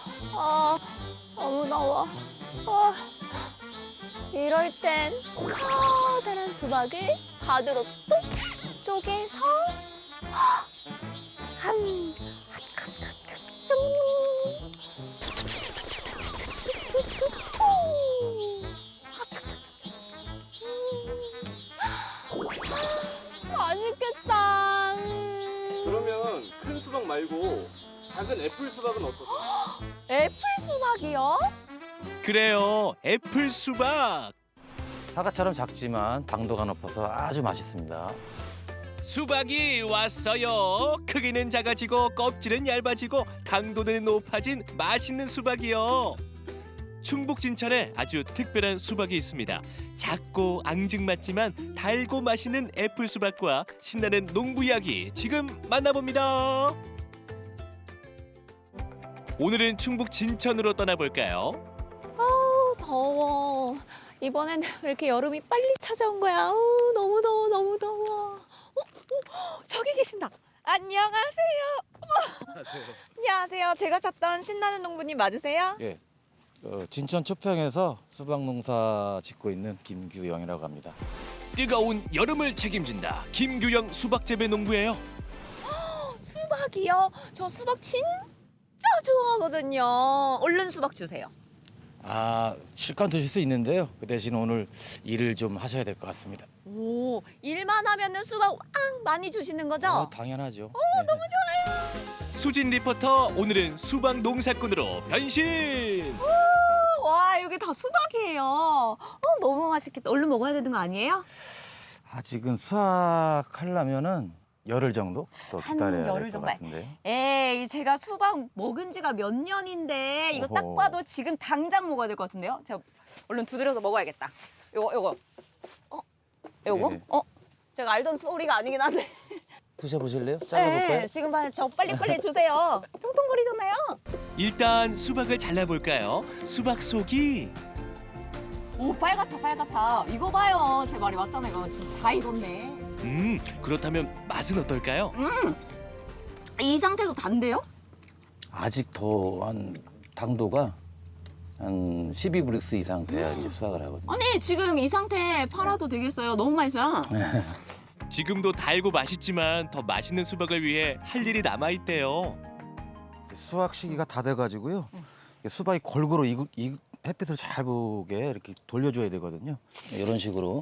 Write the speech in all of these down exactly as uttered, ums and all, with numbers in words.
아, 너무 더워. 아, 이럴 땐 커다란 수박을 가드로 뚝 쪼개서 한 맛있겠다. 그러면 큰 수박 말고 작은 애플 수박은 어떠세요? 애플 수박이요? 그래요, 애플 수박. 사과처럼 작지만 당도가 높아서 아주 맛있습니다. 수박이 왔어요. 크기는 작아지고 껍질은 얇아지고 당도는 높아진 맛있는 수박이요. 충북 진천에 아주 특별한 수박이 있습니다. 작고 앙증맞지만 달고 맛있는 애플 수박과 신나는 농부 이야기 지금 만나봅니다. 오늘은 충북 진천으로 떠나볼까요? 아우, 더워. 이번엔 왜 이렇게 여름이 빨리 찾아온 거야? 아우, 너무 더워, 너무 더워. 어, 어, 저기 계신다. 안녕하세요. 어머. 안녕하세요. 제가 찾던 신나는 농부님 맞으세요? 예, 어, 진천 초평에서 수박 농사 짓고 있는 김규영이라고 합니다. 뜨거운 여름을 책임진다. 김규영 수박재배 농부예요. 수박이요? 저 수박 진짜 좋아하거든요. 얼른 수박 주세요. 아, 실컷 드실 수 있는데요. 그 대신 오늘 일을 좀 하셔야 될 것 같습니다. 오, 일만 하면은 수박 왕 많이 주시는 거죠? 어, 당연하죠. 오, 너무 좋아. 수진 리포터 오늘은 수박 농사꾼으로 변신. 와, 여기 다 수박이에요. 어, 너무 맛있겠다. 얼른 먹어야 되는 거 아니에요? 아직은 수확하려면은 열흘 정도 더 한 기다려야 열흘 될 것 정도? 같은데. 에이, 제가 수박 먹은 지가 몇 년인데 이거 딱 어허. 봐도 지금 당장 먹어야 될 것 같은데요? 제가 얼른 두드려서 먹어야겠다. 요거, 요거. 어? 요거? 네. 어? 제가 알던 소리가 아니긴 한데. 드셔보실래요? 잘라볼까요? 네, 지금 봐, 저 빨리빨리 주세요. 통통거리잖아요. 일단 수박을 잘라볼까요? 수박 속이 오, 빨갛다, 빨갛다. 이거 봐요. 제 말이 맞잖아요. 지금 다 익었네. 음 그렇다면 맛은 어떨까요? 이 상태도 단데요? 아직 더 한 당도가 한 십이 브릭스 이상 돼야 이제 수확을 하거든요. 아니, 지금 이 상태 팔아도 되겠어요. 너무 맛있어요. 지금도 달고 맛있지만 더 맛있는 수박을 위해 할 일이 남아있대요. 수확 시기가 다 돼가지고요. 수박이 골고루 익, 익, 햇빛을 잘 보게 이렇게 돌려줘야 되거든요. 이런 식으로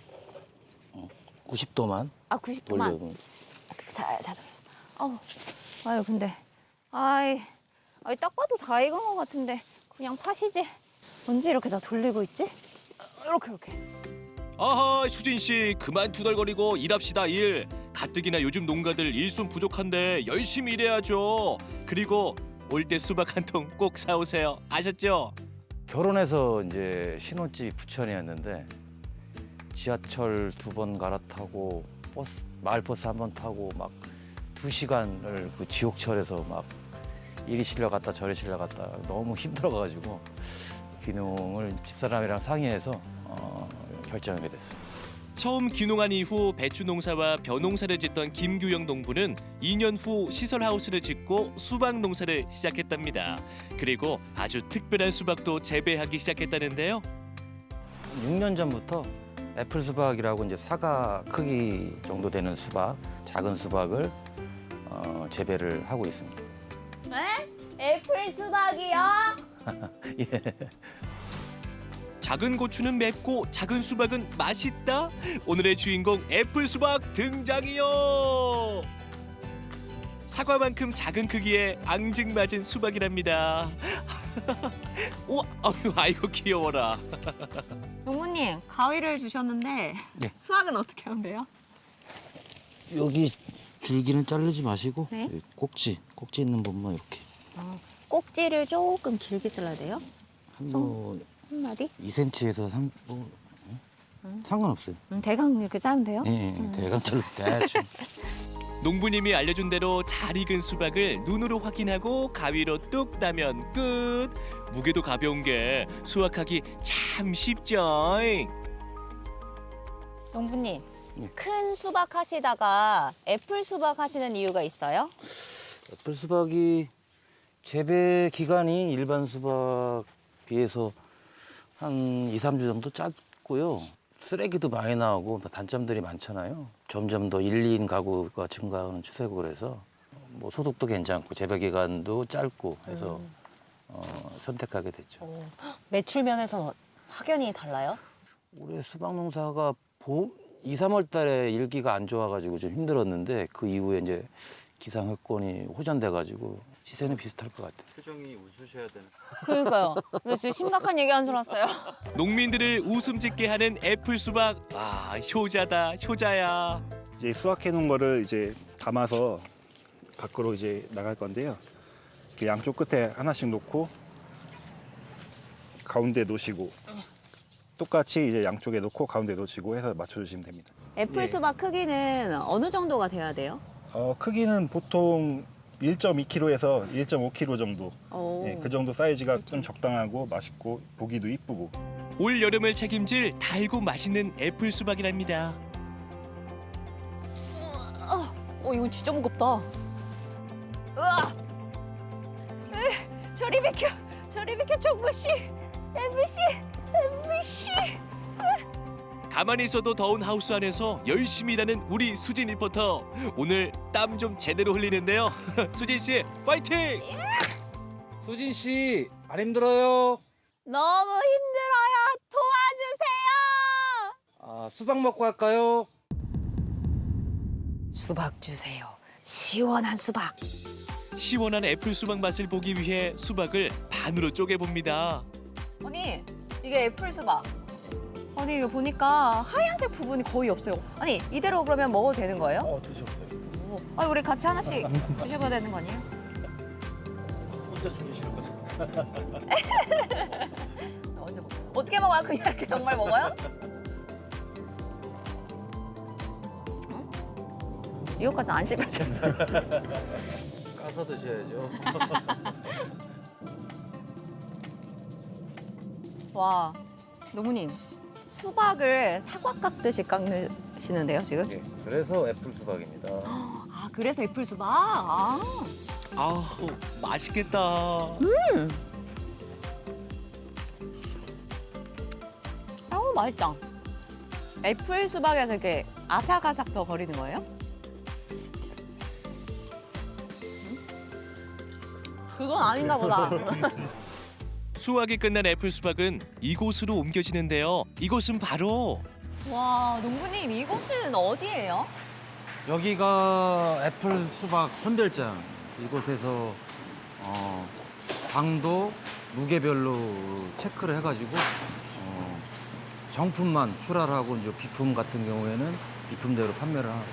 구십 도만 아, 구십 도만. 돌려. 살살 돌려서. 아우, 아유, 근데, 아이, 아이, 딱 봐도 다 익은 것 같은데 그냥 파시지. 언제 이렇게 다 돌리고 있지? 이렇게, 이렇게. 아하 수진 씨 그만 투덜거리고 일합시다 일. 가뜩이나 요즘 농가들 일손 부족한데 열심히 일해야죠. 그리고 올 때 수박 한 통 꼭 사오세요. 아셨죠? 결혼해서 이제 신혼집이 부천이었는데 지하철 두 번 갈아타고 버스 마을버스 한 번 타고 막 두 시간을 그 지옥철에서 막 이리 실려 갔다 저리 실려 갔다 너무 힘들어가지고 귀농을 집사람이랑 상의해서 어, 결정하게 됐어요. 처음 귀농한 이후 배추 농사와 벼 농사를 짓던 김규영 농부는 이 년 후 시설 하우스를 짓고 수박 농사를 시작했답니다. 그리고 아주 특별한 수박도 재배하기 시작했다는데요. 육 년 전부터 애플 수박이라고 이제 사과 크기 정도 되는 수박, 작은 수박을 어, 재배를 하고 있습니다. 네? 애플 수박이요? 예. 작은 고추는 맵고 작은 수박은 맛있다. 오늘의 주인공 애플 수박 등장이요. 사과만큼 작은 크기의 앙증맞은 수박이랍니다. 우와, 아유, 아이고 귀여워라. 농부님, 가위를 주셨는데 네. 수확은 어떻게 하면 돼요? 여기 줄기는 자르지 마시고 네. 여기 꼭지, 꼭지 있는 부분만 이렇게 꼭지를 조금 길게 잘라야 돼요? 한뭐 한 마디? 이 센티미터에서 삼, 뭐, 응? 상관없어요. 음, 대강 이렇게 자르면 돼요? 예, 예, 대강 잘라 대충. 농부님이 알려준 대로 잘 익은 수박을 눈으로 확인하고 가위로 뚝 따면 끝. 무게도 가벼운 게 수확하기 참 쉽죠. 농부님, 네. 큰 수박 하시다가 애플 수박 하시는 이유가 있어요? 애플 수박이 재배 기간이 일반 수박 비해서 한 이, 삼 주 정도 짧고요. 쓰레기도 많이 나오고 단점들이 많잖아요. 점점 더 일, 이 인 가구가 증가하는 추세고 그래서 뭐 소득도 괜찮고 재배 기간도 짧고 해서 음. 어, 선택하게 됐죠. 어, 매출 면에서 확연히 달라요? 올해 수박 농사가 봄 이, 삼월 달에 일기가 안 좋아가지고 좀 힘들었는데 그 이후에 이제 기상 여건이 호전돼가지고 시세는 비슷할 것 같아요. 표정이 웃으셔야 되는. 그러니까요. 근데 진짜 심각한 얘기 한 줄 알았어요. 농민들을 웃음 짓게 하는 애플 수박. 아, 효자다, 효자야. 이제 수확해 놓은 거를 이제 담아서 밖으로 이제 나갈 건데요. 이렇게 양쪽 끝에 하나씩 놓고 가운데 놓으시고 똑같이 이제 양쪽에 놓고 가운데 놓으시고 해서 맞춰주시면 됩니다. 애플 예. 수박 크기는 어느 정도가 돼야 돼요? 어, 크기는 보통 일 점 이 킬로그램에서 일 점 오 킬로그램 정도. 오. 예, 그 정도 사이즈가 좀 적당하고 맛있고 보기도 이쁘고. 올 여름을 책임질 달고 맛있는 애플 수박이랍니다. 어, 이거 진짜 무겁다. 으아! 으, 저리 비켜, 저리 비켜, 정부씨, 엠비씨, 엠비씨. 가만히 있어도 더운 하우스 안에서 열심히 일하는 우리 수진 리포터. 오늘 땀 좀 제대로 흘리는데요. 수진 씨, 파이팅! 수진 씨, 안 힘들어요? 너무 힘들어요. 도와주세요. 아, 수박 먹고 할까요? 수박 주세요. 시원한 수박. 시원한 애플 수박 맛을 보기 위해 수박을 반으로 쪼개봅니다. 아니, 이게 애플 수박. 아니, 이거 보니까 하얀색 부분이 거의 없어요. 아니, 이대로 그러면 먹어도 되는 거예요? 어, 드셔보세요. 오. 아니, 우리 같이 하나씩 드셔봐야 되는 거 아니에요? 혼자 죽이시는 거죠? 언제 먹어요? 어떻게 먹어요? 그냥 이렇게 정말 먹어요? 응? 이거까지 안 씹어져. 까서 드셔야죠. 와, 노무님. 수박을 사과 깎듯이 깎으시는데요, 지금? 네, 그래서 애플 수박입니다. 아, 그래서 애플 수박? 아. 아우, 맛있겠다. 아우, 맛있다. 애플 수박에서 이렇게 아삭아삭 더 거리는 거예요? 그건 아닌가 보다. 수확이 끝난 애플 수박은 이곳으로 옮겨지는데요. 이곳은 바로 와, 농부님, 이곳은 어디예요? 여기가 애플 수박 선별장. 이곳에서 어, 당도 무게별로 체크를 해가지고 어, 정품만 출하를 하고 이제 비품 같은 경우에는 비품대로 판매를 하고.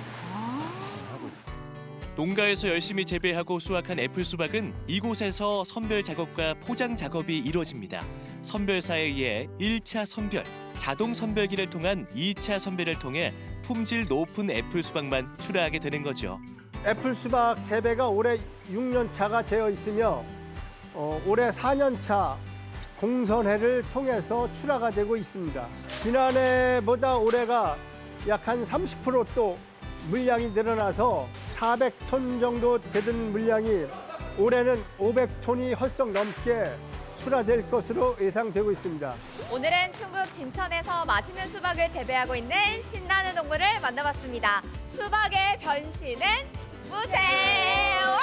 농가에서 열심히 재배하고 수확한 애플 수박은 이곳에서 선별 작업과 포장 작업이 이루어집니다. 선별사에 의해 일 차 선별, 자동 선별기를 통한 이 차 선별을 통해 품질 높은 애플 수박만 출하하게 되는 거죠. 애플 수박 재배가 올해 육 년 차가 되어 있으며 어, 올해 사 년 차 공선회를 통해서 출하가 되고 있습니다. 지난해보다 올해가 약 한 삼십 퍼센트 또 물량이 늘어나서 사백 톤 정도 되던 물량이 올해는 오백 톤이 헐썩 넘게 출하될 것으로 예상되고 있습니다. 오늘은 충북 진천에서 맛있는 수박을 재배하고 있는 신나는 동물을 만나봤습니다. 수박의 변신은 무대! 와!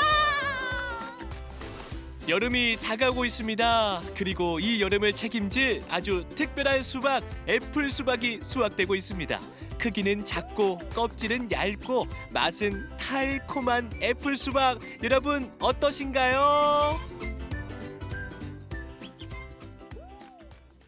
여름이 다가오고 있습니다. 그리고 이 여름을 책임질 아주 특별한 수박, 애플 수박이 수확되고 있습니다. 크기는 작고 껍질은 얇고 맛은 달콤한 애플 수박. 여러분 어떠신가요?